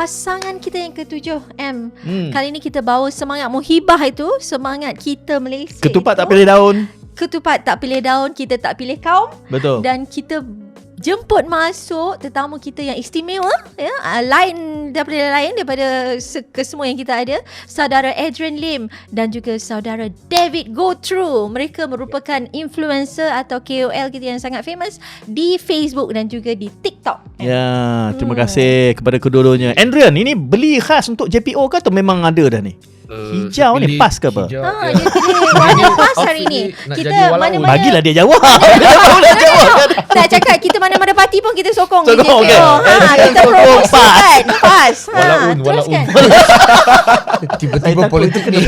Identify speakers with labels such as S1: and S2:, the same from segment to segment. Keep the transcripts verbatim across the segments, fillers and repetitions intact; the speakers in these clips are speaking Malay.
S1: pasangan kita yang ketujuh M. Hmm. Kali ni kita bawa semangat muhibah itu, semangat kita Malaysia.
S2: Ketupat
S1: itu,
S2: tak pilih daun.
S1: Ketupat tak pilih daun, kita tak pilih kaum.
S2: Betul.
S1: Dan kita jemput masuk tetamu kita yang istimewa, ya, uh, lain daripada lain daripada se- kesemua yang kita ada, saudara Adrian Lim dan juga saudara David Go Through. Mereka merupakan influencer atau K O L kita yang sangat famous di Facebook dan juga di TikTok.
S2: Ya, terima hmm. kasih kepada kedua-duanya. Adrian, ini beli khas untuk J P O ke atau memang ada dah ni? Uh, hijau ni pas ke apa?
S1: Hijau, ha, ya. Dia pilih warna pas hari ni. Kita mana-mana
S2: bagilah dia jawab. Dia
S1: jawab. Tak cakap kita mana-mana parti pun kita sokong.
S2: Sokong, okay.
S1: Ha, kita promosikan pas. Ha,
S3: walaun,
S1: teruskan.
S3: Tiba-tiba politik ni.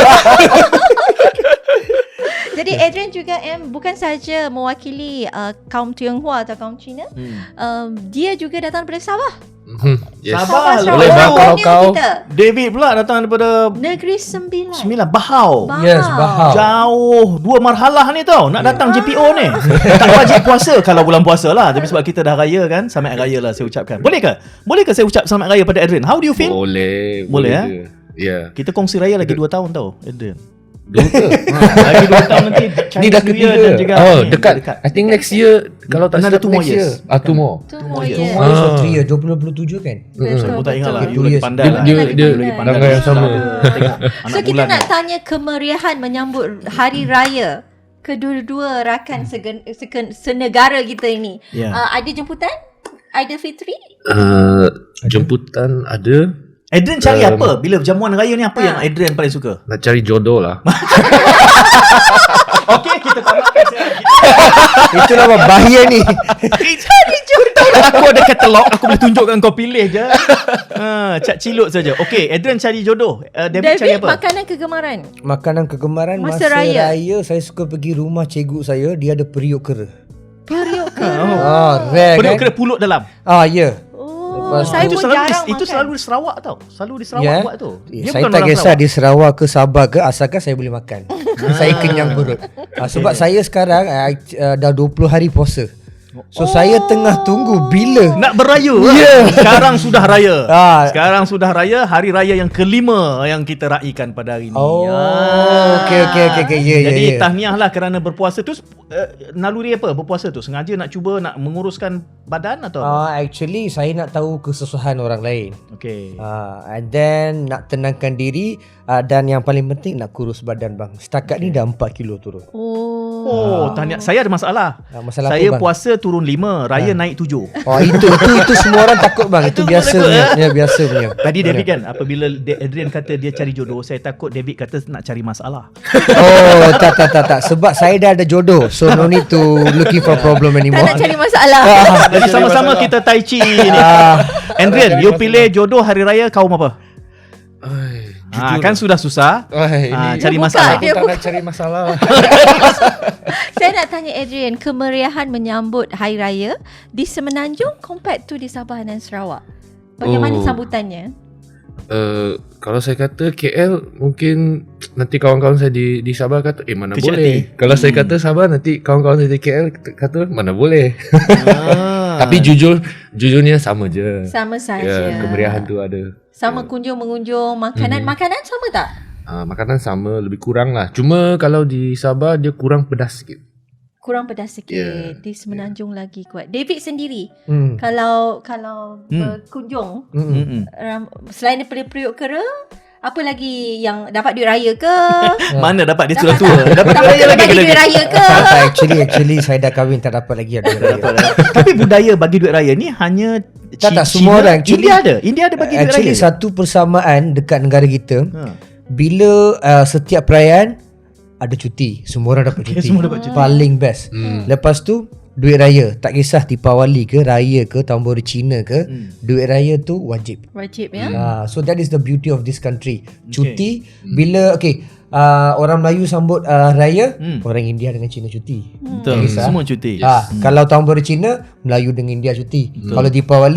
S1: Jadi Adrian juga M bukan saja mewakili uh, kaum Tionghoa atau kaum Cina, hmm. um, dia juga datang daripada Sabah.
S3: Hmm, yes.
S2: Sabah,
S3: Sabah boleh bakal kau.
S2: David pula datang daripada
S1: Negeri Sembilan.
S2: Sembilan Bahau.
S1: Bahau.
S3: Yes, Bahau.
S2: Jauh, dua marhalah ni tau nak datang yeah. J P O ni. Tak wajib puasa kalau bulan puasa lah, tapi sebab kita dah raya kan, selamat raya lah saya ucapkan. Boleh ke? Boleh ke saya ucap selamat raya pada Adrian? How do you feel?
S3: Boleh.
S2: Boleh, boleh ya?
S3: Ya. Yeah.
S2: Kita kongsi raya lagi dua tahun tau, Adrian.
S3: Dua ke?
S2: Ha, lagi dua tahun nanti.
S3: Ni dah ketiga. Oh, ni, dekat. dekat. I think next year kalau tak
S2: ada two more years.
S3: Ah, two more.
S1: Two more
S3: years.
S1: years.
S3: Two more years
S4: or three years. dua puluh tujuh kan?
S2: Aku tak ingat lah. You
S3: Two
S2: lagi
S3: years.
S2: pandai lah.
S3: Dia dia
S2: lagi pandai.
S3: tanggal yang sama.
S1: So kita nak tanya kemeriahan menyambut hari raya kedua-dua rakan segen, segen, senegara kita ini.
S2: Yeah.
S1: Uh, ada jemputan? Aidilfitri?
S3: Uh, jemputan ada.
S2: Adrian cari
S3: um,
S2: apa? Bila jamuan raya ni apa ha. yang Adrian paling suka?
S3: Nak cari jodoh lah.
S2: Okey, kita tamatkan sekarang.
S4: Itu nama bahaya ni.
S2: Cari jodoh. Aku ada katalog, aku boleh tunjukkan kau pilih je. Ha, cak cilut saja. Okey, Adrian cari jodoh. Uh, David,
S1: David
S2: cari apa?
S1: makanan kegemaran.
S4: Makanan kegemaran
S1: masa,
S4: masa
S1: raya.
S4: raya saya suka pergi rumah cikgu saya, dia ada periuk kera.
S1: Periuk kera.
S2: Oh.
S4: Ah, rare
S2: Periuk
S4: kan?
S2: kera pulut dalam.
S4: Ah, ya. Yeah.
S1: Oh, saya
S2: itu
S1: pun
S2: selalu
S1: jarang
S2: di, itu
S1: makan.
S2: selalu di Sarawak tau. Selalu di Sarawak
S4: yeah.
S2: buat tu.
S4: Yeah, saya tak kisah di Sarawak ke Sabah ke, asalkan saya boleh makan. Saya kenyang perut. Ah, sebab okay. saya sekarang uh, uh, dah dua puluh hari puasa. So oh. saya tengah tunggu bila
S2: nak beraya.
S4: Yeah.
S2: Sekarang sudah raya.
S4: Ah.
S2: Sekarang sudah raya, hari raya yang kelima yang kita raikan pada hari ni.
S4: Oh,
S2: ah.
S4: okey okey okey okey. Ya
S2: Jadi
S4: ya.
S2: tahniah lah kerana berpuasa tu. Uh, naluri apa berpuasa tu? Sengaja nak cuba nak menguruskan badan atau apa?
S4: Ah, actually saya nak tahu kesusahan orang lain.
S2: Okey.
S4: Ah, and then nak tenangkan diri, uh, dan yang paling penting nak kurus badan bang. Setakat okay. ni dah empat kilo turun.
S1: Oh.
S2: Oh, tahniah. Saya ada masalah.
S4: Ah, masalah
S2: saya
S4: apa, bang?
S2: puasa turun lima, raya ah. naik tujuh.
S4: Oh, itu itu itu semua orang takut bang. Itu biasa punya. Ya, biasa punya.
S2: Tadi David kan apabila Adrian kata dia cari jodoh, saya takut David kata nak cari masalah.
S4: Oh, tak tak tak tak. Sebab saya dah ada jodoh. So no need to looking for problem anymore.
S1: Tak nak cari masalah.
S2: Jadi sama-sama kita tai chi ni. Adrian, you pilih jodoh hari raya kaum apa?
S3: Ay,
S2: ha, kan sudah susah.
S3: Ay,
S2: ha,
S3: ini
S2: cari
S1: buka,
S2: masalah.
S1: dia
S3: tak
S1: buka.
S3: nak cari masalah.
S1: Saya nak tanya Adrian, kemeriahan menyambut hari raya di Semenanjung compared to di Sabah dan Sarawak. Bagaimana
S3: Oh.
S1: sambutannya?
S3: Uh, kalau saya kata K L, mungkin nanti kawan-kawan saya di di Sabah kata eh mana
S2: Kecil
S3: boleh.
S2: hati.
S3: Kalau hmm. saya kata Sabah, nanti kawan-kawan saya di K L kata mana boleh.
S2: Ah.
S3: Tapi jujur jujurnya sama je.
S1: Sama saja.
S3: Ya, kemeriahan tu ada.
S1: Sama kunjung-mengunjung, makanan
S3: Hmm.
S1: makanan sama tak?
S3: Uh, makanan sama, lebih kurang lah. Cuma kalau di Sabah dia kurang pedas sikit.
S1: Kurang pedas sikit.
S3: Yeah.
S1: Di Semenanjung yeah. lagi kuat. David sendiri,
S4: Hmm.
S1: kalau kalau
S2: Hmm.
S1: berkunjung,
S4: Hmm.
S2: Mm-mm.
S1: um, selain daripada periuk kera, apa lagi yang dapat duit raya ke?
S2: Mana dapat dia sudah
S1: Dapat
S2: tua.
S1: tak?
S2: Dapat
S1: Dapat
S2: raya lagi
S1: bagi
S2: ke
S1: duit
S2: lagi.
S1: raya ke?
S4: Tak, tak, actually actually saya dah kahwin, tak dapat lagi ada.
S2: Tapi budaya bagi duit raya ni hanya
S4: Tak, tak, semua orang. Actually-
S2: India ada. India ada bagi duit raya.
S4: Actually satu persamaan dekat negara kita,
S2: Ha.
S4: bila uh, setiap perayaan ada cuti, semua orang dapat
S2: Okay,
S4: cuti.
S2: semua dapat cuti.
S4: Paling best.
S3: Hmm.
S4: Lepas tu duit raya, tak kisah Deepawali ke, raya ke, tahun baru Cina ke,
S2: Hmm.
S4: duit raya tu wajib.
S1: Wajib ya.
S4: Ah, so that is the beauty of this country. Cuti bila okay, uh, orang Melayu sambut uh, raya,
S2: Hmm.
S4: orang India dengan Cina cuti.
S2: Betul.
S4: Kisah.
S2: Semua cuti.
S4: Ah, kalau tahun baru Cina, Melayu dengan India cuti. Kalau Deepawali,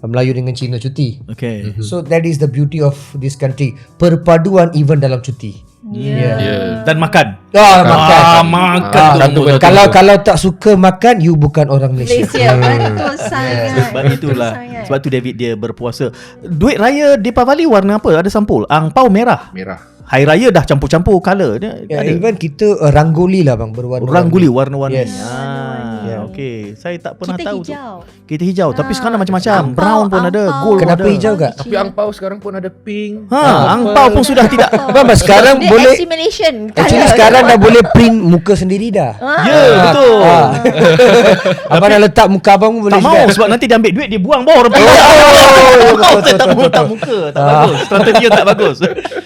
S4: Melayu dengan Cina cuti.
S2: Okay.
S4: So that is the beauty of this country. Perpaduan even dalam cuti.
S1: Yeah.
S3: Yeah.
S2: Dan makan.
S4: Ah, makan.
S2: Ah, makan.
S4: Ah,
S2: tu
S3: satu
S2: nombor
S3: betul.
S2: satu.
S4: Kalau kalau tak suka makan, you bukan orang Malaysia.
S1: Malaysia betul sangat.
S2: Sebab itulah.
S1: Sangat.
S2: Sebab tu David dia berpuasa. Duit raya Deepavali warna apa? Ada sampul. Angpau merah.
S3: Merah.
S2: Hari raya dah campur-campur colour dia.
S4: Ya,
S2: ada.
S4: even kita uh, ranggoli lah bang, berwarna.
S2: Rangoli warna-warni.
S4: Yes.
S2: Ah,
S4: Yeah.
S2: okey. Saya tak pernah
S1: Kita
S2: tahu
S1: hijau.
S2: tu. Kita hijau. Tapi
S1: Ah,
S2: sekarang dah macam-macam.
S1: angpau,
S2: Brown pun ada,
S1: angpau.
S2: gold
S4: Kenapa
S2: pun ada.
S4: hijau kak?
S3: Tapi angpau sekarang pun ada pink.
S2: Ha,
S3: purple.
S2: angpau pun sudah tidak.
S4: Bang, bang, sekarang
S1: Dia
S4: boleh
S1: assimilation.
S4: actually
S1: Colour.
S4: sekarang dah boleh print muka sendiri dah.
S2: Ya, betul.
S4: Ah. Abang nak letak muka abang pun boleh
S2: Tak mau
S4: juga.
S2: sebab nanti dia ambil duit dia buang bawah orang.
S4: betul,
S2: Saya tak
S4: betul,
S2: mau tak muka. Tak bagus. Strategi yang tak bagus.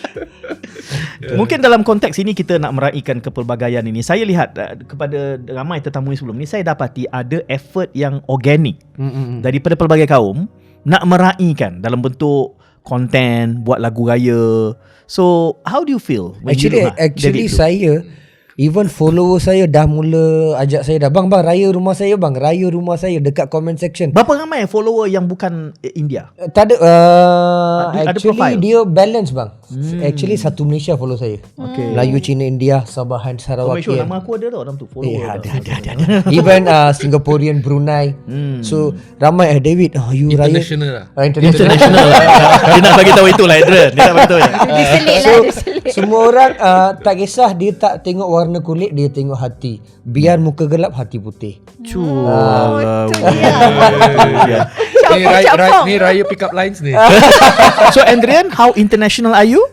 S2: Mungkin dalam konteks ini kita nak meraihkan kepelbagaian ini. Saya lihat uh, kepada ramai tetamu sebelum ni, saya dapati ada effort yang organik
S4: Mm-mm.
S2: daripada pelbagai kaum nak meraihkan dalam bentuk konten, buat lagu raya. So, how do you feel? when you
S4: Actually
S2: look, ha,
S4: actually
S2: David tu?
S4: saya even follower saya dah mula ajak saya dah, bang bang raya rumah saya bang, raya rumah saya dekat comment section.
S2: Berapa ramai follower yang bukan eh, India?
S4: Uh, Tak ada uh,
S2: Ada- ada
S4: actually
S2: profile?
S4: dia balance bang. Hmm. Actually satu Malaysia follow saya.
S2: Okay.
S4: Melayu, Cina, India, Sabahan,
S2: Oh,
S4: Sarawak.
S2: make sure nama aku ada tau dalam tu. Follower
S4: Eh,
S2: tau.
S4: ada, ada, ada, ada. Even uh, Singaporean, Brunei.
S2: Hmm.
S4: So ramai eh David, oh, you raya
S3: International lah.
S4: Ah, international.
S2: International. Dia nak bagi tahu itulah Adrian. Dia nak bagi tahu ya.
S1: Dia selit
S4: So
S1: lah, dia selit.
S4: semua orang uh, tak kisah dia tak tengok warna kulit, dia tengok hati. Biar muka gelap, hati putih.
S1: Oh, tu dia.
S2: Ya.
S3: Ni raya, raya,
S1: Capong-capong.
S3: ni raya pick up lines ni.
S2: So Adrian, how international are you?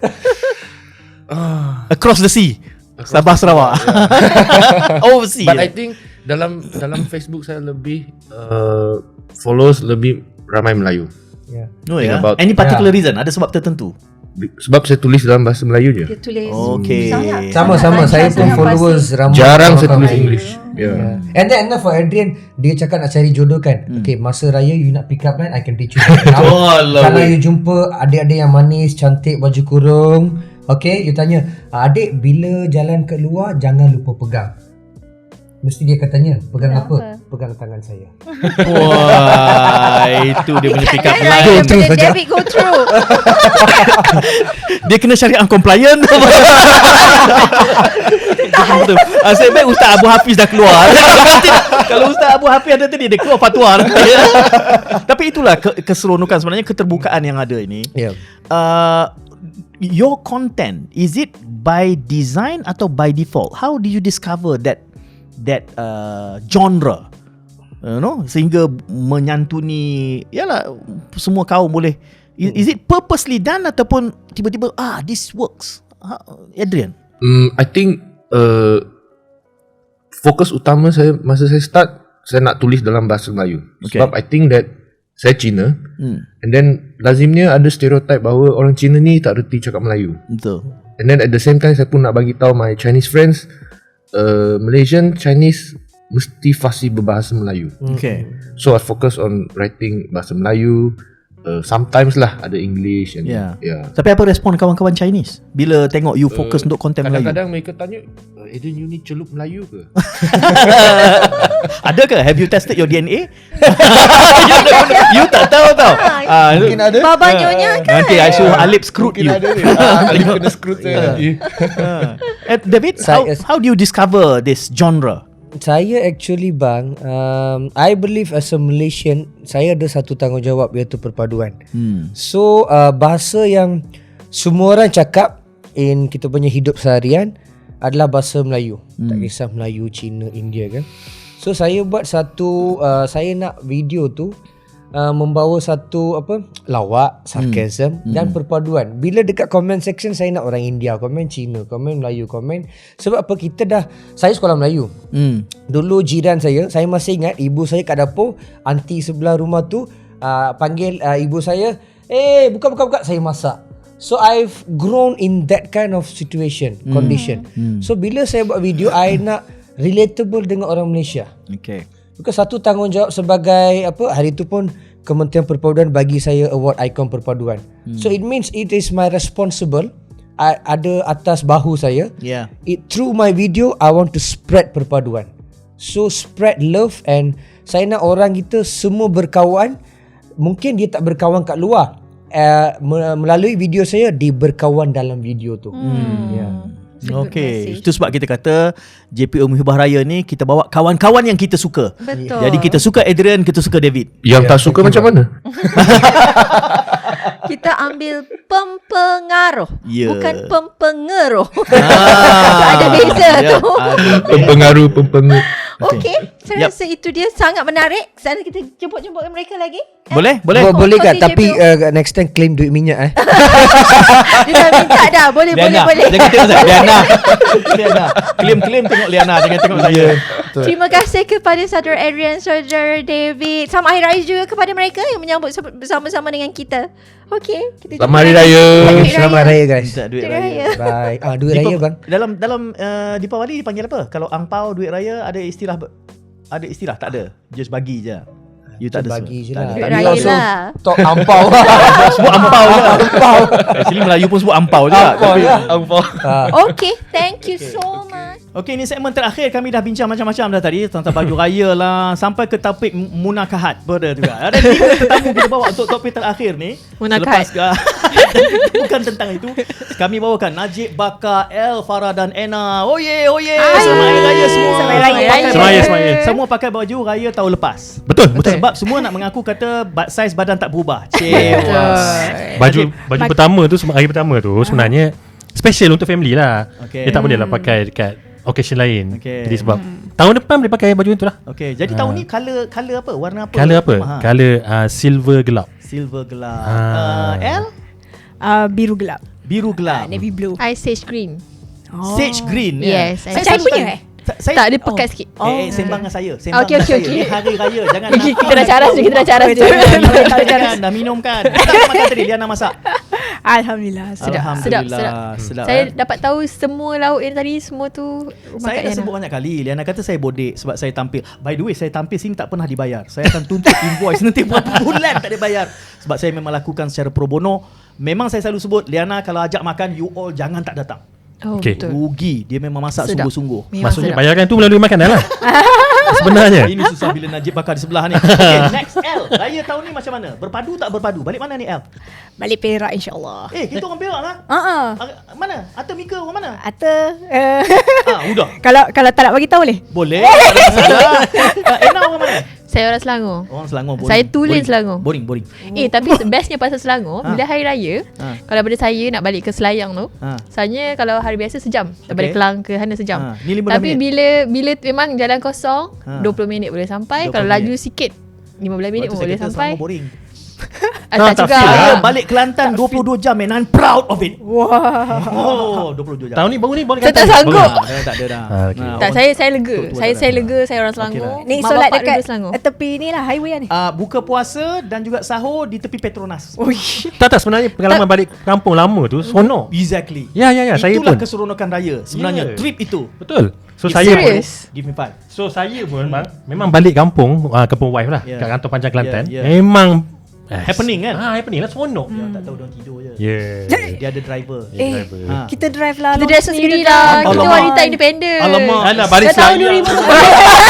S2: Across the sea. Sabah Sarawak. Overseas.
S3: But I think dalam dalam Facebook saya lebih uh, followers lebih ramai Melayu.
S4: Yeah.
S2: No
S3: think
S2: ya.
S3: about-
S2: Any particular reason? Ada sebab tertentu?
S3: Bi- Sebab saya tulis dalam bahasa Melayu je.
S1: Dia tulis.
S2: Okay.
S1: Sangat-
S4: Sama-sama
S1: sangat
S4: saya
S1: lancar,
S4: pun
S1: sangat
S4: followers
S1: fasih.
S4: ramai.
S3: Jarang saya
S4: orang
S3: tulis
S4: Melayu.
S3: English. Ya.
S4: Yeah. And then and then for Adrian, dia cakap nak cari jodoh kan.
S2: Hmm.
S4: Okay, masa raya you nak pick up line, I can teach you.
S2: Alah,
S4: Kalau
S2: weh.
S4: you jumpa adik-adik yang manis, cantik, baju kurung, okay, you tanya, adik bila jalan ke luar jangan lupa pegang. Mesti dia akan tanya, pegang
S1: Pegang
S4: apa?
S1: apa?
S4: Pegang tangan saya.
S2: Wah, itu dia punya pick up
S1: Kan
S2: line.
S1: raya
S4: through
S1: bila
S4: saja.
S1: David go through.
S2: Dia kena syariah compliant. Betul. Ah, saya baik Ustaz Abu Hafiz dah keluar. Kalau Ustaz Abu Hafiz ada tadi dia keluar fatwa. Tapi itulah ke- keseronokan sebenarnya, keterbukaan yang ada ini.
S4: Yeah.
S2: Uh, your content, is it by design atau by default? How did you discover that that uh, genre? You know, sehingga menyantuni yalah semua kaum boleh. Is, is it purposely done ataupun tiba-tiba ah this works? Ha, Adrian.
S3: Hmm, I think uh, fokus utama saya masa saya start, saya nak tulis dalam bahasa Melayu.
S2: Okay.
S3: Sebab I think that saya Cina,
S2: Hmm,
S3: and then lazimnya ada stereotype bahawa orang Cina ni tak reti cakap Melayu.
S2: betul.
S3: And then at the same time saya pun nak bagi tahu my Chinese friends, uh, Malaysian Chinese mesti fasih berbahasa Melayu.
S2: Okay.
S3: So I focus on writing bahasa Melayu. Uh, sometimes lah ada English and
S2: Yeah.
S3: yeah.
S2: Tapi apa respon kawan-kawan Chinese bila tengok you fokus
S3: Uh,
S2: untuk konten Melayu?
S3: Kadang-kadang mereka tanya, uh, Adrian you ni celup Melayu ke?
S2: Ada ke? Have you tested your D N A? you, you tak tahu tau. Ah,
S4: Mungkin ada.
S1: Baba nyonya kan.
S2: nanti I suruh Alip screwed you.
S3: Alif kena screw saya nanti.
S2: Ah. Eh, David, how,
S4: Saya-
S2: how do you discover this genre?
S4: Saya actually bang, um, I believe as a Malaysian, saya ada satu tanggungjawab iaitu perpaduan.
S2: Hmm.
S4: So uh, bahasa yang semua orang cakap in kita punya hidup seharian adalah bahasa Melayu. Hmm. Tak kisah Melayu, Cina, India kan. So saya buat satu uh, saya nak video tu uh, membawa satu apa lawak, sarcasm hmm. dan perpaduan. Bila dekat comment section saya nak orang India, komen Cina, komen Melayu, komen sebab apa kita dah saya sekolah Melayu.
S2: Hmm.
S4: Dulu jiran saya, saya masih ingat ibu saya kat dapur, aunty sebelah rumah tu uh, panggil uh, ibu saya, "Eh, buka buka buka, saya masak." So I've grown in that kind of situation,
S2: Hmm.
S4: condition. So bila saya buat video, I nak relatable dengan orang Malaysia.
S2: Okay.
S4: Because satu tanggungjawab sebagai apa, hari tu pun Kementerian Perpaduan bagi saya award ikon perpaduan. Hmm. So it means it is my responsible. I, ada atas bahu saya.
S2: Yeah.
S4: It through my video I want to spread perpaduan. So spread love and saya nak orang kita semua berkawan. mungkin dia tak berkawan kat luar. Uh, melalui video saya dia berkawan dalam video tu.
S1: Hmm.
S4: Ya.
S2: Okey, itu sebab kita kata J P O Muhibah Raya ni kita bawa kawan-kawan yang kita suka.
S1: Betul.
S2: Jadi kita suka Adrian, kita suka David.
S3: Yang
S4: Ya,
S3: tak suka
S4: thank you,
S3: macam mana?
S1: Kita ambil pempengaruh,
S2: Ya.
S1: bukan pempengaruh.
S2: Ah,
S1: Ada beza
S2: ya,
S1: tu.
S2: ada
S3: Pempengaruh, pempengaruh.
S1: Okey, saya
S2: Yep.
S1: rasa itu dia sangat menarik. Sana kita jemput-jemput mereka lagi.
S2: Boleh? Boleh?
S4: Bo- boleh
S1: Kongsi
S4: tak? Tapi
S1: J P O.
S4: uh, next time claim duit minyak eh.
S1: Dia dah minta dah. Boleh, boleh,
S2: Liana,
S1: boleh.
S2: jangan tengok saya. Liana. Liana. Claim-claim tengok Liana, jangan tengok saya.
S1: Terima kasih kepada saudara Adrian, saudara David. Selamat Hari Raya juga kepada mereka yang menyambut se- bersama-sama dengan kita. Okey, kita
S3: Selamat Hari
S1: jumpa lagi.
S3: Raya.
S1: Duit
S4: Selamat
S1: raya.
S4: raya guys.
S2: Minta duit
S1: Duit
S2: raya.
S1: raya.
S4: Bye. Ah duit
S2: Dipa-
S4: raya bang.
S2: Dalam dalam uh, Deepawali dipanggil apa? Kalau angpau duit raya ada istilah ber- ada istilah tak ada. Just bagi je. You tak ada
S4: Bagi je
S2: semua.
S4: lah.
S2: Tak
S1: Duit
S2: ada.
S1: raya
S4: You also
S1: lah.
S4: talk ampau.
S2: Sebut ampau je. Ampau. Actually Melayu pun sebut ampau je.
S4: Ampau
S2: Tapi-
S4: je.
S2: Ampau.
S4: Ah.
S1: Okey, thank you so much.
S2: Okey, ini segmen terakhir kami dah bincang macam-macam dah tadi tentang baju raya lah sampai ke topik m- munakahat pada juga. Ada tiga tetamu kita bawa untuk topik terakhir ni.
S1: Munakahat.
S2: Selepas bukan tentang itu. Kami bawakan Najib, Baka, El, Farah dan Ena. Oh ye, oh ye. Selamat Hari Raya semua.
S1: Selamat Hari Raya.
S2: Pakai
S5: Selamat Raya,
S2: baju-
S5: selamat Raya.
S2: Semua pakai baju raya tahun lepas.
S5: Betul, betul.
S2: Sebab semua nak mengaku kata ba- saiz badan tak berubah. Cewas.
S5: Baju baju pertama tu sema- hari pertama tu sebenarnya special untuk family lah.
S2: Okey.
S5: Dia tak boleh lah pakai dekat occasion lain.
S2: Okey.
S5: Jadi sebab tahun depan boleh pakai baju itu lah.
S2: Okey, jadi tahun ni color color apa? Warna apa?
S5: Color apa?
S2: Ha.
S5: Color uh, silver gelap.
S2: Silver gelap.
S5: Ah.
S2: Uh, L
S6: Uh, biru gelap.
S2: biru gelap.
S6: Navy blue.
S1: I sage green.
S2: Sage green. ya?
S1: Yes, I
S6: Macam saya
S1: sage
S6: punya
S1: green.
S6: eh?
S2: Sa- Saya,
S1: Tak, dia pekat sikit.
S2: Eh, eh, sembang dengan saya. Sembang
S1: Okey,
S2: dengan
S1: okey,
S2: saya.
S1: okey.
S2: Ni hari raya. Jangan
S1: Kita-
S2: nak-
S1: kita dah caras je, kita dah caras je.
S2: Jangan,
S1: Kita dah
S2: jangan,
S1: caras.
S2: jangan. Dah minum kan? Tak makan tadi. Liana masak.
S6: Alhamdulillah.
S1: Sedap,
S2: Alhamdulillah.
S1: sedap,
S2: sedap.
S1: Saya
S2: eh.
S1: dapat tahu semua lauk yang tadi semua tu
S2: Saya dah
S1: makan
S2: sebut banyak kali. Liana kata saya bodek sebab saya tampil. By the way, saya tampil sini tak pernah dibayar. Saya akan tuntut invoice nanti berapa bulan tak dibayar. Sebab saya memang lakukan secara pro bono. Memang saya selalu sebut, Liana kalau ajak makan, you all jangan tak datang.
S1: Oh,
S5: Okey.
S1: betul.
S2: Rugi. Dia memang masak
S1: Sedap.
S2: sungguh-sungguh.
S1: Memang
S5: Maksudnya
S1: sedap.
S5: bayaran tu melalui makanan lah. Sebenarnya.
S2: Ini susah bila Najib bakar di sebelah ni. Okay, next L. Raya tahun ni macam mana? Berpadu tak berpadu? Balik mana ni L?
S6: Balik Perak insyaAllah.
S2: Eh, kita orang Perak lah.
S6: Uh-uh.
S2: Ah, mana? Atta Mika orang mana?
S6: Atau uh,
S2: Ah, udah.
S6: kalau kalau tak nak bagi tahu boleh.
S2: Boleh. Tak ada masalah. Ah, Ena orang mana?
S1: Saya orang Selangor.
S2: Orang Selangor. Boring.
S1: Saya tulen
S2: Boring.
S1: Selangor.
S2: Boring, boring.
S1: Eh tapi bestnya pasal Selangor,
S2: Ha.
S1: bila hari raya,
S2: Ha.
S1: kalau daripada saya nak balik ke Selayang tu,
S2: Ha.
S1: Sebenarnya kalau hari biasa sejam.
S2: Okey.
S1: Tak balik Kelang ke Hana sejam.
S2: Ha, ni lima belas
S1: Tapi
S2: minit.
S1: bila bila memang jalan kosong,
S2: Ha.
S1: dua puluh minit boleh
S2: dua
S1: sampai.
S2: puluh
S1: Kalau laju
S2: minit.
S1: sikit lima belas minit
S2: Waktu
S1: pun
S2: saya
S1: boleh
S2: kata
S1: sampai.
S2: Selangor boring.
S1: Ah, tak
S5: tak
S1: juga.
S5: feel lah.
S2: Saya balik Kelantan dua puluh dua jam and I'm proud of it.
S6: Wah.
S2: Oh, dua puluh dua jam.
S5: Tahun ni baru ni boleh
S1: Saya tak
S5: kata.
S1: sanggup.
S5: Baru.
S2: Ah, dah tak ada dah.
S5: Ah, okey.
S2: Nah,
S1: Tak,
S2: orang-
S1: saya saya lega.
S2: tua-tua
S1: Saya
S2: tak
S1: saya
S2: ada.
S1: lega, saya orang Selangor.
S2: lah.
S6: Ni
S1: Mak
S6: solat
S1: bapak
S6: dekat
S1: dulu Selangor.
S6: tepi ni lah highway ni.
S2: Ah, buka puasa dan juga sahur di tepi Petronas.
S6: Uish.
S5: Tak tak sebenarnya pengalaman balik kampung lama tu seronok.
S2: Exactly.
S5: Ya ya ya, saya
S2: Itulah
S5: pun.
S2: keseronokan raya. Sebenarnya
S5: Yeah.
S2: trip itu.
S5: Betul. So
S2: If
S5: saya
S2: someone-
S1: Serious?
S2: Give me five.
S5: So saya pun bang, memang balik kampung, uh, kampung wife lah,
S2: Yeah.
S5: kat Kantor Panjang Kelantan.
S2: Yeah, yeah.
S5: Memang eh,
S2: Happening kan?
S5: Ah, happening lah, seronok.
S2: Dia tak tahu dia tidur je.
S5: Yeah.
S2: Dia ada driver.
S6: Eh,
S5: driver.
S2: Ha.
S6: kita drive lah.
S1: Kita
S6: long
S1: dah
S6: distance
S1: sendiri
S6: kita
S1: lah.
S6: drive.
S1: Kita
S2: Alamak.
S1: wanita independen.
S2: Alamak.
S5: Alah, baris
S1: Dah tahun
S5: saya.
S1: dua ribu dua puluh.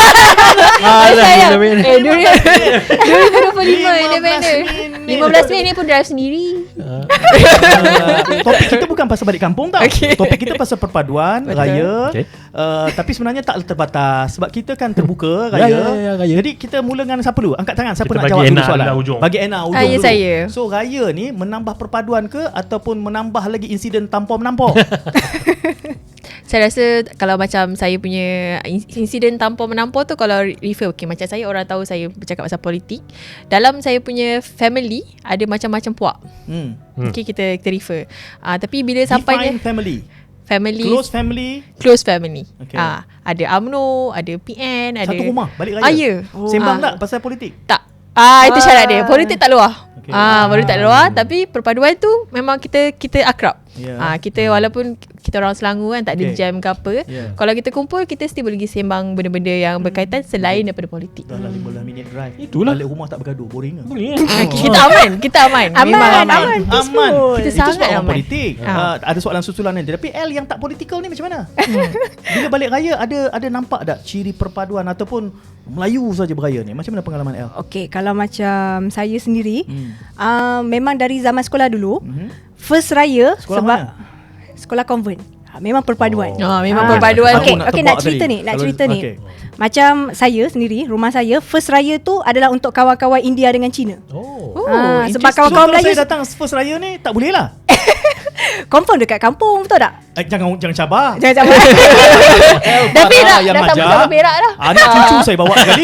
S5: Alah,
S1: Saya.
S5: bila- bila-
S1: Eh, dua ribu dua puluh lima
S2: lima belas
S1: independen.
S2: minit.
S1: lima belas minit ni pun drive sendiri.
S2: Uh, topik kita bukan pasal balik kampung tau.
S1: Okay.
S2: Topik kita pasal perpaduan
S1: Betul.
S2: raya.
S5: Okay.
S2: Uh, tapi sebenarnya tak terbatas sebab kita kan terbuka
S5: Ya,
S2: raya.
S5: ya, ya, raya.
S2: Jadi kita mula dengan siapa dulu? Angkat tangan siapa
S5: Kita
S2: nak
S5: bagi
S2: jawab dulu
S5: Ena
S2: soalan.
S5: dulu ujung.
S2: Bagi Ena ujung
S1: Ah, ya,
S2: dulu.
S1: saya.
S2: So raya ni menambah perpaduan ke ataupun menambah lagi insiden tampar menampar?
S1: Saya rasa kalau macam saya punya in- insiden tampar menampar tu, kalau refer, okay, macam saya orang tahu saya bercakap pasal politik. Dalam saya punya family ada macam-macam puak.
S2: hmm.
S5: Hmm.
S1: Okay, kita kita refer. Ah, tapi bila sampainya
S2: Define family.
S1: family,
S2: Close family.
S1: close family.
S2: Okay.
S1: Ah, ada U M N O, ada P N, ada
S2: Satu rumah balik raya.
S1: Ah, ya.
S2: Sembang
S1: Ah.
S2: tak pasal politik?
S1: Tak. Ah, itu syarat dia. Politik tak luar.
S2: Okay.
S7: Ah, baru tak ada luar, tapi perpaduan tu memang kita kita akrab.
S2: Yeah.
S7: Ah, kita walaupun kita orang Selangor kan, tak ada
S2: Okay.
S7: jam ke apa.
S2: Yeah.
S7: Kalau kita kumpul, kita still boleh pergi sembang benda-benda yang berkaitan selain daripada politik.
S2: Dah lah lima belas minit drive.
S5: Itulah.
S2: Balik rumah tak bergaduh, boring lah.
S5: Boleh
S7: Ah, kita aman, kita aman.
S6: Aman,
S7: Memang
S6: aman,
S7: aman.
S6: peaceful.
S7: Kita
S2: Itu
S7: sangat
S2: sebab orang
S7: aman.
S2: politik.
S7: Ah.
S2: Uh, ada soalan susulan nanti. Tapi L yang tak politikal ni macam mana? Bila balik raya ada ada nampak tak ciri perpaduan ataupun Melayu saja beraya ni? Macam mana pengalaman L?
S6: Okey, kalau macam saya sendiri,
S2: Hmm.
S6: uh, memang dari zaman sekolah dulu,
S2: Mhm.
S6: first raya
S2: Sekolah
S6: sebab
S2: mana?
S6: sekolah convent. Ha, memang perpaduan.
S7: Ah, memang
S6: Ah.
S7: perpaduan.
S6: Okey,
S2: Aku nak
S6: okey
S2: tebak
S6: nak cerita
S2: tadi.
S6: ni, nak
S2: Kalau-
S6: cerita ni.
S2: okey.
S6: Macam saya sendiri, rumah saya first raya tu adalah untuk kawan-kawan India dengan Cina.
S5: Oh.
S7: Oh,
S6: Ah, sebab
S7: interesting.
S6: kawan-kawan
S2: So, kalau
S6: Melayu
S2: saya datang first raya ni tak boleh lah.
S6: confirm dekat kampung, betul tak?
S2: Eh, jangan jangan cabar.
S6: Jangan cabar.
S7: Dah berak,
S2: yang
S7: dah
S2: majar.
S7: sama-sama berak dah.
S2: Anak cucu saya bawa sekali.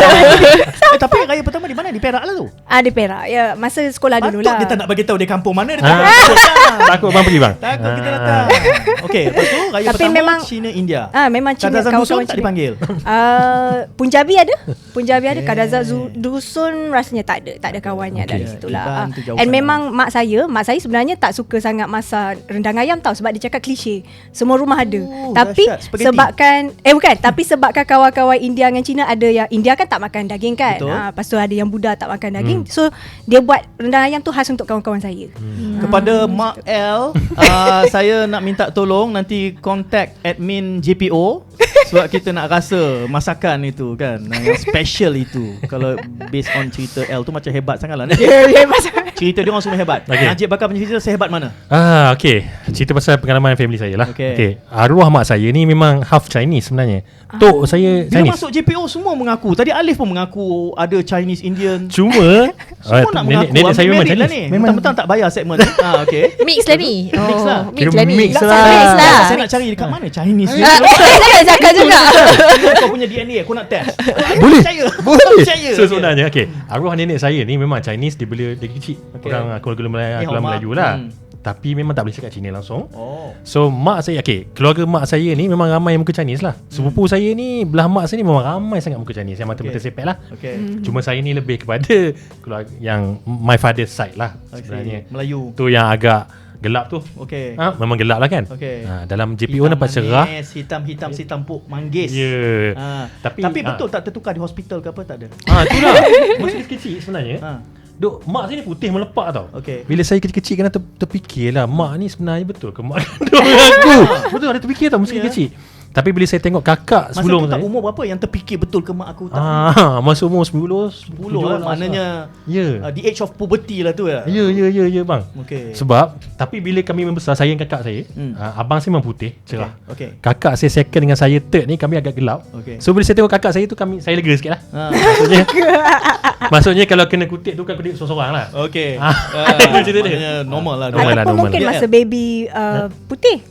S2: eh, tapi raya pertama di mana? Di Perak lah tu.
S6: Ah, di Perak. Ya, masa sekolah
S2: Patut
S6: dulu lah.
S2: dia tak nak bagi tahu dia kampung mana dia
S5: Ah.
S2: tak takut lah.
S5: Takut bang pergi bang.
S2: Takut kita datang. Okey, lepas tu raya
S6: Tapi
S2: pertama
S6: memang-
S2: Cina India.
S6: Ah, memang Cina,
S2: Kadazan
S6: kawan-kawan
S2: dusun tak
S6: Cina.
S2: dipanggil.
S6: Uh, Punjabi ada. Punjabi ada.
S2: Okay.
S6: Kadazan Zu- dusun rasanya tak ada. Tak ada kawannya
S2: Okay.
S6: dari situ lah.
S2: Iban
S6: Ah.
S2: tu jauh
S6: And
S2: sangat.
S6: memang mak saya, mak saya sebenarnya tak suka sangat masak rendang ayam tau, sebab dia cakap klise. Semua rumah ada.
S2: Oh,
S6: Tapi
S2: dahsyat. Spaghetti.
S6: sebabkan eh bukan, tapi sebabkan kawan-kawan India dengan Cina ada yang India kan tak makan daging kan.
S2: Betul.
S6: Ah, lepas tu ada yang Buddha tak makan daging. So dia buat rendang ayam tu khas untuk kawan-kawan saya. Hmm.
S2: Kepada Mak L, uh, saya nak minta tolong nanti contact admin J P O sebab kita nak rasa masakan itu kan, yang special itu. Kalau based on cerita L tu macam hebat sangat lah. Cerita dia orang semua hebat.
S5: Okay.
S2: Najib bakal punya cerita sehebat mana?
S5: Ah, okey. Cerita pasal pengalaman family saya lah.
S2: Okey.
S5: Okey. Arwah mak saya ni memang half Chinese sebenarnya. Tok saya
S2: Bila
S5: Chinese.
S2: masuk J P O semua mengaku. Tadi Alif pun mengaku ada Chinese Indian.
S5: Cuma
S2: Semua
S5: ah,
S2: nak
S5: nenek,
S2: mengaku.
S5: nenek saya memang
S2: Married lah
S5: Chinese.
S2: ni.
S5: Memang
S2: Mentang-mentang tak bayar segmen ni. Ah, okey.
S7: Mix lah ni.
S2: Mix lah.
S7: Mix
S5: Kira
S7: lah ni.
S5: mix
S7: Mix
S5: lah.
S7: lah.
S2: Saya nak cari dekat mana Chinese ni.
S7: Ah, Saya nak cakap juga.
S2: Kau punya D N A aku nak test.
S5: Boleh.
S2: Percaya.
S5: Boleh.
S2: Percaya.
S5: So sebenarnya okey, arwah nenek saya ni memang Chinese, dia bila dia kecil.
S2: Okey.
S5: Orang keluarga Melayu,
S2: Eh,
S5: keluarga
S2: Mak.
S5: Melayu lah.
S2: Hmm.
S5: Tapi memang tak boleh cakap Cina langsung.
S2: Oh.
S5: So mak saya, okey, keluarga mak saya ni memang ramai yang muka Chinese lah. Sepupu saya ni, belah mak saya ni memang ramai sangat muka Chinese, yang mata-mata
S2: Okey.
S5: sepet lah.
S2: Okay.
S5: Cuma saya ni lebih kepada keluarga yang my father's side lah sebenarnya.
S2: Melayu.
S5: Tu yang agak gelap tu.
S2: Okay.
S5: Ha, memang gelap lah kan.
S2: Okey.
S5: Ha, dalam J P O nampak cerah.
S2: Hitam-hitam si tampuk manggis.
S5: Ya. Yeah.
S2: Ha.
S5: Tapi-
S2: Tapi, Tapi
S5: ha.
S2: betul tak tertukar di hospital ke apa, tak ada?
S5: Ha, itulah. Masa dia kecil sebenarnya.
S2: Ha.
S5: Duk, mak saya ni putih melepak tau.
S2: Okey.
S5: Bila saya kecil-kecil kena ter, terfikirlah, mak ni sebenarnya betul ke mak kandung aku. Betul, ada terfikir tau masa
S2: Ya.
S5: kecil. Tapi bila saya tengok kakak
S2: Masa
S5: sebelum
S2: tu tak
S5: saya,
S2: umur berapa yang terfikir betul ke mak aku tak?
S5: ah, masa umur sepuluh,
S2: sepuluh lah, maknanya
S5: Ya.
S2: uh, the age of puberty lah tu ya.
S5: Ya, ya, ya, ya bang.
S2: Okey.
S5: Sebab, tapi bila kami membesar, saya dan kakak saya,
S2: Hmm.
S5: ah, abang saya memang putih, cerah.
S2: Okey.
S5: Kakak saya second dengan saya third ni, kami agak gelap.
S2: Okey.
S5: So bila saya tengok kakak saya tu, kami saya lega sikit lah.
S2: Ha.
S5: Maksudnya, maksudnya kalau kena kutip tu kan kutip seorang-seorang lah.
S2: Okey.
S5: Ah,
S2: Ah,
S5: itu cerita dia.
S2: maknanya normal lah.
S5: Normal lah,
S6: Ataupun
S5: normal
S6: mungkin
S2: lah.
S6: masa baby uh, putih.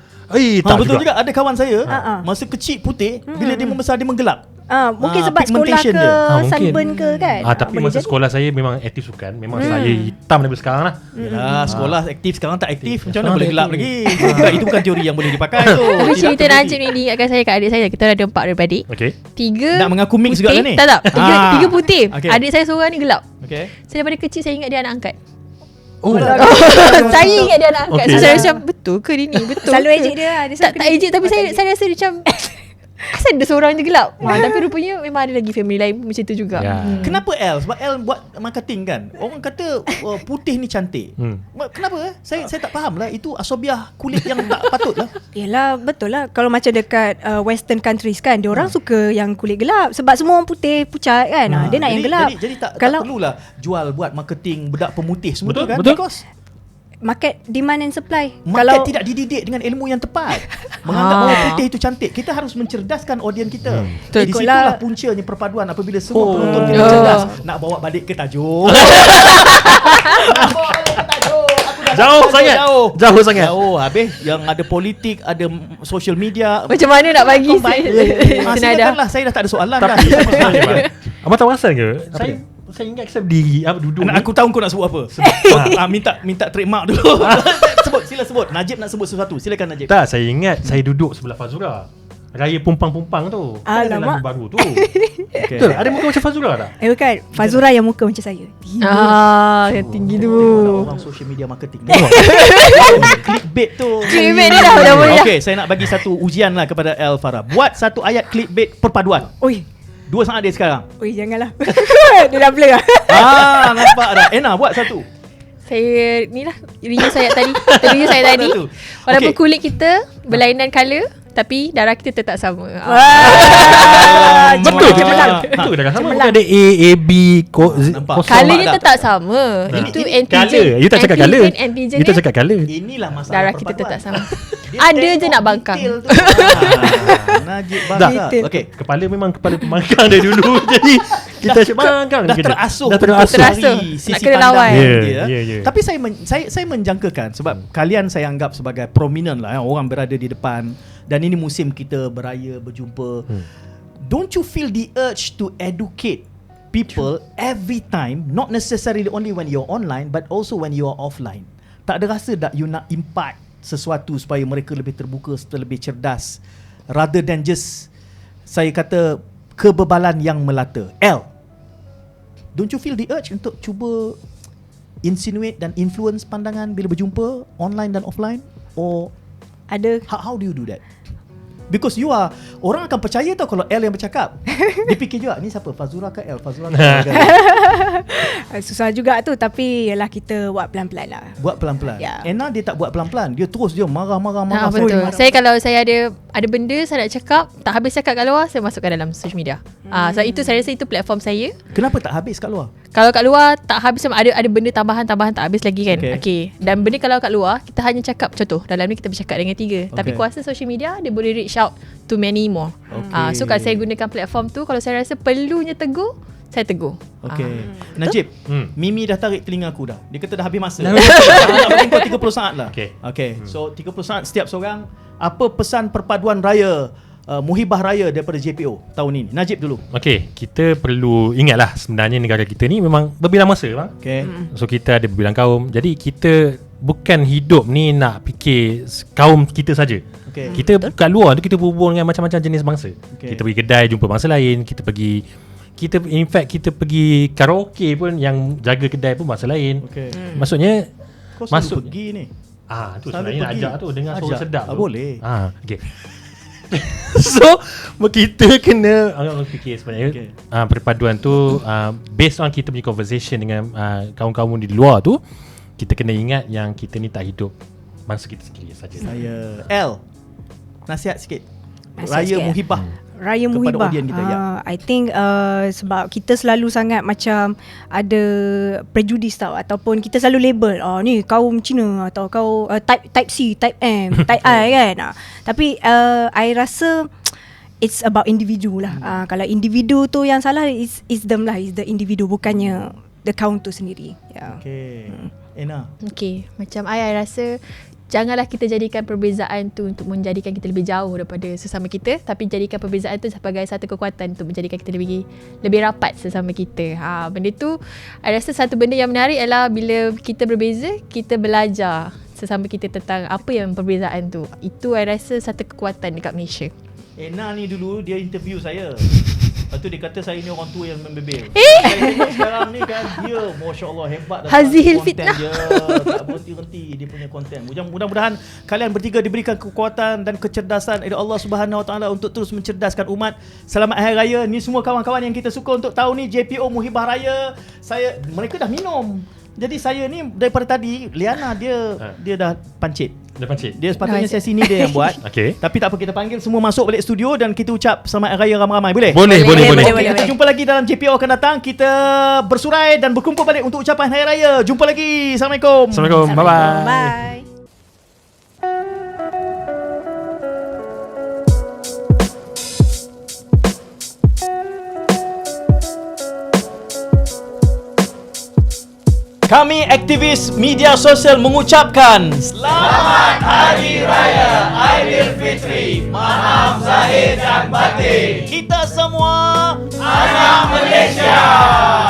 S5: Eh,
S2: Ha,
S5: tak
S2: betul
S5: juga.
S2: juga. Ada kawan saya
S6: Ha, ha.
S2: masa kecil putih, bila dia membesar dia menggelap.
S6: Ah, mungkin
S2: Ah,
S6: sebab sekolah
S2: pigmentation
S6: ke
S2: dia.
S5: Ah, mungkin.
S6: sunburn ke kan.
S5: Ah, tapi
S6: boleh
S5: masa
S6: jadi.
S5: sekolah saya memang aktif sukan. Memang saya hitam daripada sekarang lah.
S2: Yalah, sekolah aktif sekarang tak aktif. Macam mana
S5: Sekarang
S2: boleh
S5: tak
S2: gelap
S5: aktif.
S2: lagi? Bukan, itu bukan teori yang boleh dipakai tu.
S7: Tapi
S2: Tidak
S7: cerita
S2: terbukti.
S7: Najib ni diingatkan saya kat adik saya. Kita ada empat adik-beradik.
S5: Okay.
S7: Tiga
S2: Nak mengaku mix
S7: putih.
S2: juga lah ni?
S7: Tak tak. Tiga,
S2: Ah.
S7: tiga putih.
S2: Okey.
S7: Adik saya seorang ni gelap.
S2: Okey.
S7: Saya daripada kecil saya ingat dia anak angkat.
S5: Oh,
S7: Saya ingat dia anak angkat.
S5: Okey.
S7: So saya macam betul ke dia ni? Betul
S6: Selalu
S7: ke?
S6: ejek dia lah. Dia
S7: Tak
S6: selalu
S7: tak
S6: kena-
S7: ejek tapi
S6: Oh,
S7: saya
S6: tak ejek.
S7: saya rasa dia macam asal ada seorang je gelap. Ha, tapi rupanya memang ada lagi family lain pun macam tu juga.
S5: Ya.
S7: Hmm.
S2: Kenapa L? Sebab L buat marketing kan. Orang kata uh, putih ni cantik.
S5: Hmm.
S2: Ma- Kenapa? eh? Saya saya tak faham lah. Itu asobiah kulit yang tak patut lah.
S6: Yelah, betul lah. Kalau macam dekat uh, western countries kan, dia orang suka yang kulit gelap sebab semua orang putih pucat kan. Ha, dia nak
S2: jadi,
S6: yang gelap.
S2: Jadi, jadi tak,
S6: Kalau
S2: tak perlulah jual buat marketing bedak pemutih semua
S5: Betul,
S2: tu kan.
S5: betul.
S2: Because
S6: market demand and supply.
S2: market
S6: Kalau
S2: tidak dididik dengan ilmu yang tepat. Menganggap
S7: Ah.
S2: bahawa putih itu cantik. Kita harus mencerdaskan audien kita.
S7: Betul.
S2: Di
S6: Ikutlah.
S2: situlah puncanya perpaduan apabila semua
S5: Oh.
S2: penonton kita
S7: Oh.
S2: cerdas. Nak bawa balik ke tajuk. Nak bawa balik ke tajuk. Aku dah
S5: Jauh
S2: tajuk,
S5: sangat.
S2: Jauh.
S5: Jauh sangat.
S2: Jauh. Habis yang ada politik, ada mm, social media.
S7: Macam mana nak bagi
S2: Combine. Ah,
S7: senada?
S2: silakanlah. Saya dah tak ada soalan dah.
S5: Tapi sebenarnya, Abang, Abang tahu asal ke? Saya saya ingat saya berdiri, apa duduk
S2: Nak
S5: ni.
S2: aku tahu kau nak sebut apa. ah, minta minta trademark dulu. sebut, sila sebut. Najib nak sebut sesuatu. Silakan Najib.
S5: Tak, saya ingat saya duduk sebelah Fazura. Raya pumpang-pumpang tu. Kan ada
S6: Alamak.
S5: lagu baru tu. Okay. Betul. Ada muka macam Fazura tak?
S6: Eh bukan, Fazura yang muka macam saya.
S7: Ah, yang tinggi tu.
S2: Orang social media marketing. Clickbait tu.
S7: Clickbait dia dah dah boleh dah.
S2: Okay, saya nak bagi satu ujian lah kepada El Farah. Buat satu ayat clickbait perpaduan.
S6: Oi,
S2: Dua sangat dia sekarang.
S6: oi janganlah. Dia dah blur lah.
S2: Ah, nampak dah. Ena, buat satu.
S7: Saya ni lah review saya tadi. Review saya tadi.
S2: Satu.
S7: Walaupun
S2: Okay.
S7: kulit kita berlainan colour, tapi darah kita tetap sama. Ah.
S2: Ah,
S5: Betul ke?
S2: cemerlang.
S5: Betul dah sama. Bukan ada A, A, B, ko, z,
S2: nampak.
S5: kosong.
S7: Colournya
S2: tak?
S7: tetap sama.
S5: Nah.
S7: Itu
S2: Ini
S7: antigen.
S5: Colour. You tak cakap colour.
S7: Antigen, antigen
S5: You tak
S7: dia,
S5: cakap colour.
S2: Inilah masalah
S7: darah kita
S2: perpaduan.
S7: tetap sama.
S2: Dia
S7: Ada je
S2: tengok
S7: nak bangkang.
S2: detail tu. Ah, Najib bangga.
S6: Detail.
S2: Okay.
S5: Kepala memang kepala pembangkang dari dulu. Jadi kita asyik bangkang.
S2: Dah
S5: kita.
S2: terasuh
S5: Dah terasuh.
S7: Terasuh.
S2: dari sisi
S7: Nak kena
S2: pandang
S7: lawan.
S5: Ya,
S2: dia.
S5: ya, ya.
S2: Tapi saya men, saya saya menjangkakan sebab kalian saya anggap sebagai prominent lah, ya, orang berada di depan dan ini musim kita beraya berjumpa.
S5: Hmm.
S2: Don't you feel the urge to educate people every time, not necessarily only when you're online but also when you are offline? Tak ada rasa tak you nak impart sesuatu supaya mereka lebih terbuka, lebih cerdas rather than just saya kata kebebalan yang melata. L, don't you feel the urge untuk cuba insinuate dan influence pandangan bila berjumpa online dan offline? Or
S6: Ada.
S2: how, how do you do that? Because you are, orang akan percaya tau kalau L yang bercakap. Dia fikir juga, ni siapa? Fazura ke L? Fazura ke L?
S6: Susah juga tu, tapi yalah kita buat pelan-pelan lah.
S2: Buat pelan-pelan.
S6: Ya.
S2: Ena dia tak buat pelan-pelan. Dia terus dia marah-marah marah.
S7: Ah, betul. Saya kalau saya ada ada benda saya nak cakap, tak habis cakap kat luar, saya masukkan dalam social media. Ah, so itu saya rasa itu platform saya.
S2: Kenapa tak habis kat luar?
S7: Kalau kat luar tak habis, ada ada benda tambahan-tambahan tak habis lagi kan.
S2: Okay.
S7: Okey. Okay. Dan benda kalau kat luar kita hanya cakap, contoh dalam ni kita bercakap dengan tiga. Okay. Tapi
S2: Okay.
S7: kuasa social media dia boleh reach out to many more.
S2: Okay.
S7: Ah, so kalau saya gunakan platform tu, kalau saya rasa perlunya tegur, saya tegur.
S2: Okay.
S7: Ah.
S2: Najib,
S5: Hmm.
S2: Mimi dah tarik telinga aku dah. Dia kata dah habis masa.
S5: Dah
S2: Nak bagi kau tiga puluh saat lah.
S5: Okay.
S2: Okay. So tiga puluh saat setiap seorang. Apa pesan perpaduan raya uh, Muhibah Raya daripada J P O tahun ini? Najib dulu.
S5: Okey, kita perlu ingatlah sebenarnya negara kita ni memang berbilang masa bang.
S2: Okay.
S5: So kita ada berbilang kaum. Jadi kita bukan hidup ni nak fikir kaum kita saja.
S2: Okay.
S5: Kita kat luar tu kita berhubung dengan macam-macam jenis bangsa.
S2: Okay.
S5: Kita pergi kedai jumpa bangsa lain, kita pergi kita in fact kita pergi karaoke pun yang jaga kedai pun bangsa lain.
S2: Okay.
S5: Hmm. Maksudnya
S2: Kau selalu
S5: masuk
S2: pergi ni.
S5: ah tu
S2: Selalu
S5: sebenarnya nak
S2: pergi.
S5: ajak tu dengar suara
S2: Ajak.
S5: sedap
S2: Ah,
S5: tu.
S2: boleh.
S5: Ah okey. So kita kena agak fikir sebenarnya
S2: Okay.
S5: okay. uh, perpaduan tu uh, based on kita punya conversation dengan uh, kaum-kaum di luar tu, kita kena ingat yang kita ni tak hidup bangsa kita sendiri saja.
S2: Saya L. Nasihat sikit.
S6: Nasihat
S2: Raya
S6: sikit.
S2: Muhibah.
S6: Raya
S2: Kepada
S6: Muhibah.
S2: audien kita, ya.
S6: Ah, I think uh, sebab kita selalu sangat macam ada prejudis tau, ataupun kita selalu label, oh ni kaum Cina atau kau uh, type type C, type M, type I kan. Ah, tapi uh, I rasa it's about individu lah. Ah, kalau individu tu yang salah, is is them lah, is the individu, bukannya the kaum tu sendiri. Ya.
S2: Okay. Ena.
S7: Okey, macam I, I rasa janganlah kita jadikan perbezaan tu untuk menjadikan kita lebih jauh daripada sesama kita, tapi jadikan perbezaan tu sebagai satu kekuatan untuk menjadikan kita lebih lebih rapat sesama kita. Ha, benda tu I rasa satu benda yang menarik adalah bila kita berbeza, kita belajar sesama kita tentang apa yang perbezaan tu. Itu I rasa satu kekuatan dekat Malaysia.
S2: Ena ni dulu dia interview saya. Lepas tu dia kata saya ni orang tua yang membebel. Eh? Saya tengok sekarang ni kan dia Masya Allah hebat dah.
S7: Hazil
S2: konten
S7: fitnah.
S2: dia. Tak berhenti-henti dia punya konten. Mudah-mudahan kalian bertiga diberikan kekuatan dan kecerdasan dari Allah Subhanahu Wa Taala untuk terus mencerdaskan umat. Selamat Hari Raya. Ni semua kawan-kawan yang kita suka untuk tahun ni J P O Muhibah Raya. Saya mereka dah minum. Jadi saya ni daripada tadi Liana dia
S5: Ha.
S2: dia dah pancit.
S5: Dah pancit.
S2: Dia sepatutnya
S7: Dah,
S2: sesi ni dia yang buat.
S5: Okey.
S2: Tapi tak apa, kita panggil semua masuk balik studio dan kita ucap selamat Hari Raya ramai-ramai. Boleh?
S5: Boleh, boleh, boleh.
S6: boleh,
S2: Kita jumpa lagi dalam J P O akan datang. Kita bersurai dan berkumpul balik untuk ucapan Hari Raya. Jumpa lagi. Assalamualaikum.
S5: Assalamualaikum. Bye-bye.
S6: Bye.
S2: Kami aktivis media sosial mengucapkan Selamat Hari Raya Aidilfitri. Maaf zahir dan batin. Kita semua anak Malaysia.